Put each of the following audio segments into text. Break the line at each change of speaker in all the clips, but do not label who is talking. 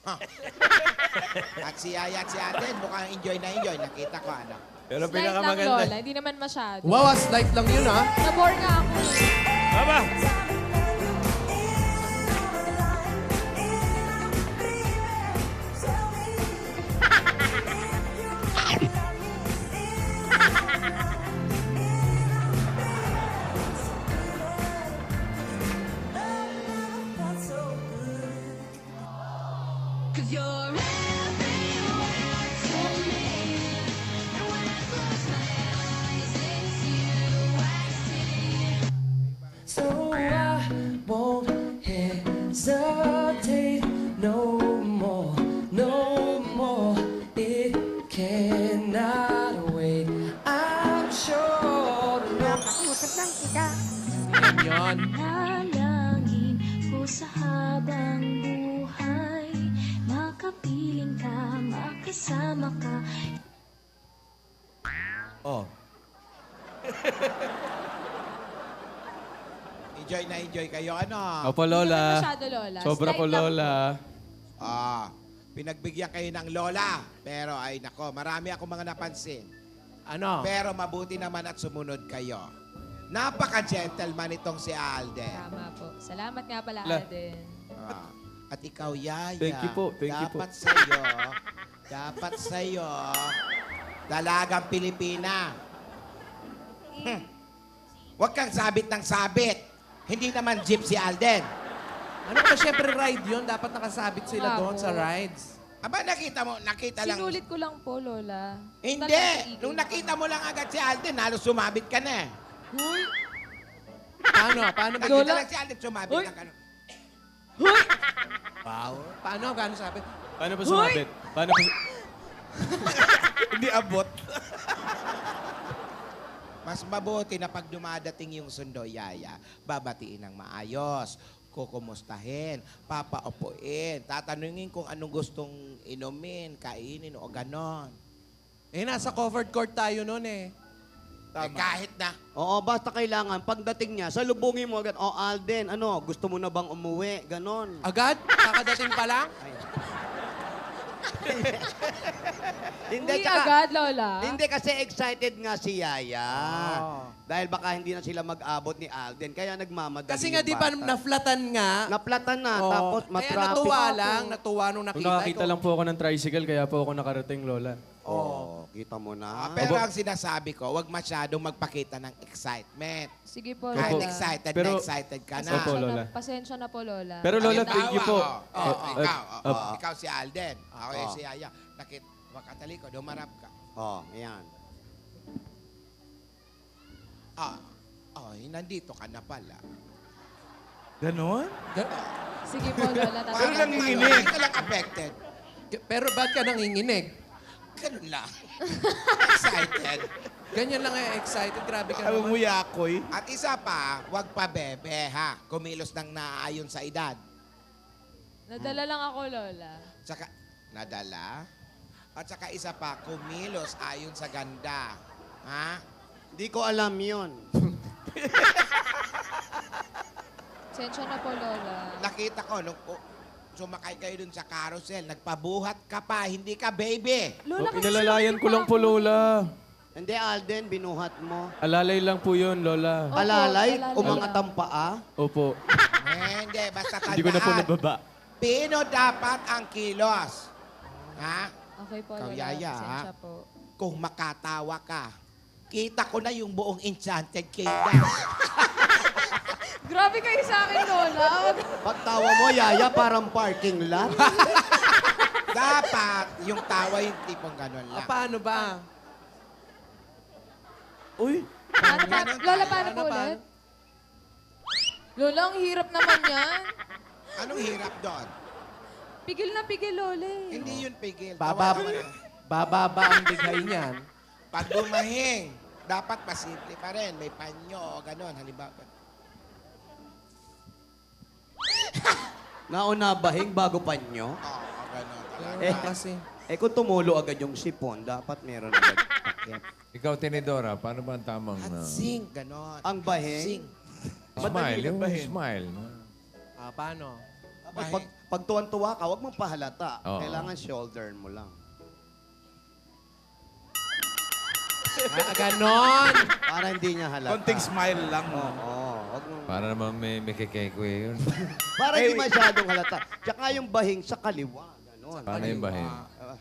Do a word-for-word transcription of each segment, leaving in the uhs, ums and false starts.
At si Yaya at si Alden, mukhang enjoy na enjoy. Nakita ko, ano.
Pero
Slight lang,
pinakamaganda.
Lola. Hindi naman masyado.
Wow, slight lang yun, ha?
Nabore nga ako.
Aba!
So I won't hesitate no more, no more. It cannot wait. I'm sure.
Nakausap lang kita.
Yan.
Halangin ko sa habang buhay. Makapiling ka, makasama ka.
Oh.
Enjoy na enjoy kayo, ano.
Opo,
Hindi naman
Lola.
masyado, Lola.
Sobra
Slight
po,
lang
Lola.
Ah, pinagbigyan kayo ng lola. Pero ay nako, marami akong mga napansin.
Ano?
Pero mabuti naman at sumunod kayo. Napaka-gentleman itong si Alden.
Tama po. Salamat nga pala,
La.
Alden.
Ah, at ikaw, Yaya.
Thank you po, thank you po.
dapat sa'yo, dapat sa'yo, dalagang Pilipina. Hmm. Huwag kang sabit ng sabit. Hindi naman jeep si Alden.
Ano ba, syempre ride yun. Dapat nakasabit sila
Nga
doon
po.
sa rides.
Aba, nakita mo, nakita lang.
Sinulit ko lang po, Lola.
Hindi.
Talagang
Nung
iigil
nakita mo lang agad si Alden, halos sumabit ka na eh.
Huy! Paano? Paano ba?
Nakita
Lola?
lang si Alden, sumabit
Uy.
ka ka.
Wow. Paano? Gano'n sabi?
Paano po sumabit? Paano po... Hindi abot.
Mas mabuti na pag dumadating yung sundo, Yaya, babatiin ng maayos, kukumustahin, papaupuin, tatanungin kung anong gustong inumin, kainin o ganon.
Eh, nasa covered court tayo noon eh.
Eh, kahit na.
Oo, basta kailangan, pagdating niya, salubungin mo agad, oh Alden, ano, gusto mo na bang umuwi? Ganon.
Agad? Kakadating pa lang?
Uy,
Hindi, tsaka-
agad, Lola.
Hindi kasi excited nga si Yaya.
Oh.
Dahil baka hindi na sila mag-abot ni Alden, kaya nagmamadali
Kasi nga
yung
di ba
bata.
naflatan nga?
Naplatan na,
Oo.
tapos
Kaya
matraffic.
natuwa lang, natuwa nung
Kung
nakita.
nakakita lang po ako ng tricycle, kaya po ako nakarating, Lola.
Oo, kita mo
Ah,
na.
pero ang sinasabi ko, wag masyadong magpakita ng excitement.
Sige po,
Kahit
Lola.
excited
Pero-
na excited ka na.
Opo,
Pasensya
Lola.
na, pasensya na po, Lola.
Pero Lola,
Ayun,
thank you
tawa,
po.
oh. Oh,
Uh,
ikaw,
uh,
oh,
uh,
ikaw si Alden. Ako
Oo.
si Yaya. Nakit, makatali ko, dumarap ka.
Oh, ayan.
Ah, oh, nandito ka na pala.
Ganon?
Sige po, Lola.
Parang
Tatawag
nanginginig. Hindi ka lang affected.
Pero ba't ka nanginginig?
Ganun lang. Excited.
Ganyan lang eh, excited. Grabe ka
Alam mo,
naman.
yakoy.
At isa pa, wag pa bebe ha. Kumilos ng naaayon sa edad.
Nadala lang ako, Lola.
Tsaka, nadala. At saka isa pa, kumilos ayon sa ganda. Ha?
Hindi ko alam yon.
Pasensya na po, Lola.
Nakita ko, nung oh, sumakay kayo dun sa carousel, nagpabuhat ka pa, hindi ka baby.
Lola,
Oh, inalalayan ko lang po, Lola.
Hindi, Alden, binuhat mo.
Alalay lang po yun, Lola.
Opo,
Alalay,
alalay
umangat
lang.
ang paa.
Opo.
Eh, hindi, basta tandaan.
Hindi ko na po nababa.
Pino dapat ang kilos. Ha?
Okay po,
Ikaw,
Lola.
Yaya,
Pasensya po.
Kung makatawa ka, kita ko na yung buong Enchanted Kingdom.
Grabe kayo sa akin, Lola.
Pagtawa mo, Yaya, parang parking lot.
Dapat yung tawa yung tipong gano'n
Ah,
lang.
paano ba?
Uy!
Paano, pa,
Ganon
Lola,
tayo.
paano
Paano,
po ulit? Lola, ang hirap naman yan.
Anong hirap doon?
Pigil na pigil, Lola. eh.
Hindi yun pigil.
Bababa,
Tawa naman.
bababa ang bigay niyan.
Pag bumahing, dapat pasimple pa rin. May panyo o gano'n. Halimbawa.
Nauna bahing bago pa nyo.
Oo, gano'n talaga.
Eh, kasi.
Eh kung tumulo agad yung sipon, dapat meron agad takip.
Ikaw, Tinidora, paano ba ang tamang
At
uh,
sing, gano'n.
Ang bahing?
Sing.
smile? Yung
bahin?
smile. no?
Ah, paano?
Pag, pag, pag tuwan-tuwa ka, huwag mong pahalata.
Oo.
Kailangan shoulder mo lang.
Ah, ganon.
Para hindi niya halata.
Konting smile lang.
Oo. Wag mong...
Para naman may, may kekekwe yun.
Para hindi masyadong halata. Tsaka yung bahing sa kaliwa. Ganon.
Paano yung bahin?
Ah,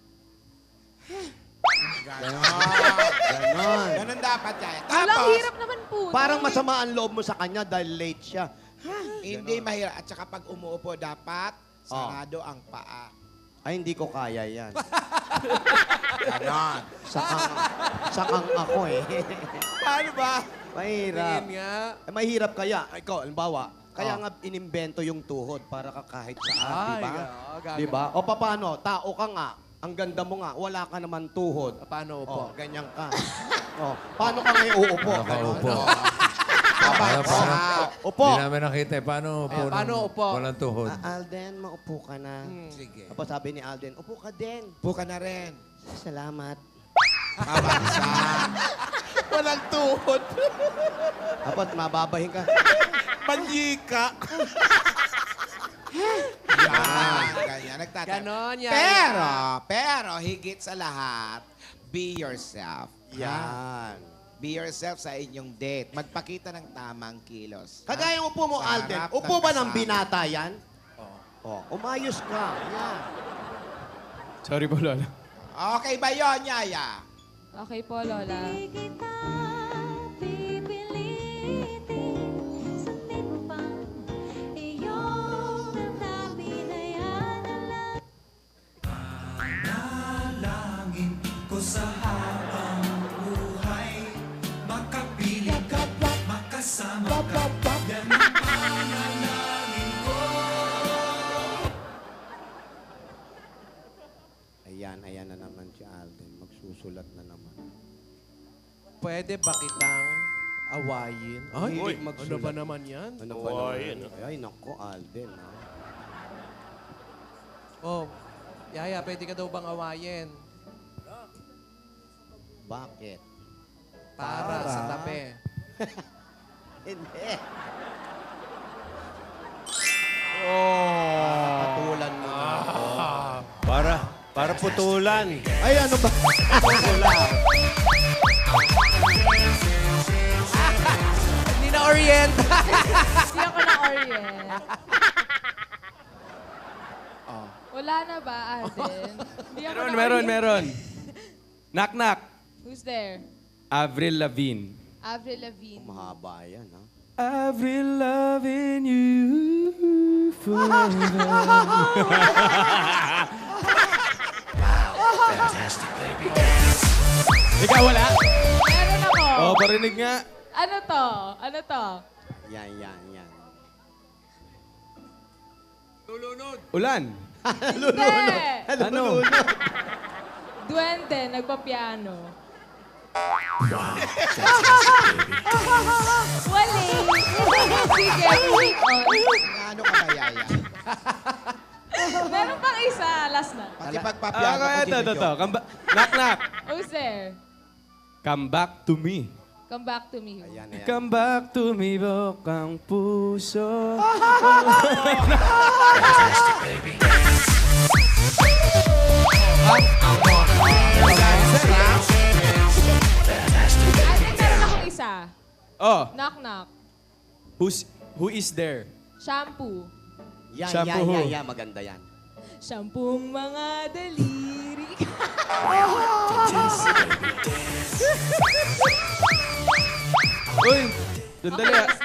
Ganon.
Ganon.
Ganon dapat yan.
Walang
Tapos,
hirap naman po.
Parang masama ang loob mo sa kanya dahil late siya.
hindi mahirap. At saka pag umuupo, dapat sarado ang paa.
Ay, hindi ko kaya yan.
Ganon.
Sakang, sakang ako eh.
Paano ba?
Mahirap.
Tingin nga.
Eh, mahirap kaya. Ikaw, halimbawa, kaya
Oh.
nga inimbento yung tuhod para ka kahit saan,
Ay,
di ba?
ga- gaga.
Di ba? O paano? Tao ka nga. Ang ganda mo nga, wala ka naman tuhod.
Ah, Paano
Oh,
po?
ganyan ka. oh, paano ka ngayon uupo?
Nakaupo.
Tama.
Paano, paano?
Upo.
Hindi namin nakita eh. Paano upo?
Ayan, paano
nung
upo?
Walang tuhod.
Ah, Alden, maupo ka na.
Sige.
Tapos sabi ni Alden, upo ka din.
Upo ka na rin.
Salamat.
Mabagsak.
Walang tuhod.
Tapos mababahin ka.
Manyika.
Yan. Ganyan. Nagtatapos.
Ganon, yaya.
Pero, pero, higit sa lahat, be yourself. Ha?
Yan.
Be yourself sa inyong date. Magpakita ng tamang kilos. ha?
Kagaya upo mo,
Sa
Alden.
harap
Upo ba ng
kasama.
binata yan? Oo. Oh, umayos ka. Yan.
Sorry po, Lola.
Okay ba yun, Yaya?
Okay po, Lola.
Di kita pipilitin sa timpang iyong damdamin na yan ang lahat.
Ayan, ayan na naman si Alden. Magsusulat na naman.
Pwede ba kitang awayin? Ay,
Hilig
ano
magsulat.
ba naman yan?
Ano ba naman? Ay, nako, Alden. Ha?
Oh, Yaya, pwede ka daw bang awayin?
Bakit?
Para, sa tabi.
Hindi.
Oh.
Patulan mo na ako.
Para, para putulan.
Ay, ano ba?
Hindi na orient.
Hindi ako na-orient. Wala na ba, Alden? Hindi ako
Meron,
na-orient.
meron, meron. Knock, knock.
Who's there?
Avril Lavigne.
Avril Lavigne.
Mahaba yan, ha?
Avril loving you forever. Ikaw wala?
Meron ako.
Oo, parinig nga.
Ano to? Ano to?
Yan, yan, yan.
Ulan.
Hindi!
Ano?
Duwende, nagpa-piano. Wali! Sige, moving on.
Ano ka ba, Yaya?
Meron pang isa, last na.
Pati
Ah,
pagpapiano ko,
kaya ito, ito, ito.
ginujoke.
Come ba- knock, knock.
Who's there?
Come back to me.
Come back to me.
Ayan, ayan.
Come back to me, bokang puso.
Alden, meron akong isa.
Oh,
Knock, knock.
who's, who is there?
Shampoo.
Yan,
Shampoo.
yan, yan, yan. Maganda yan.
Shampooong mga daliri.
Uy, sandali ah.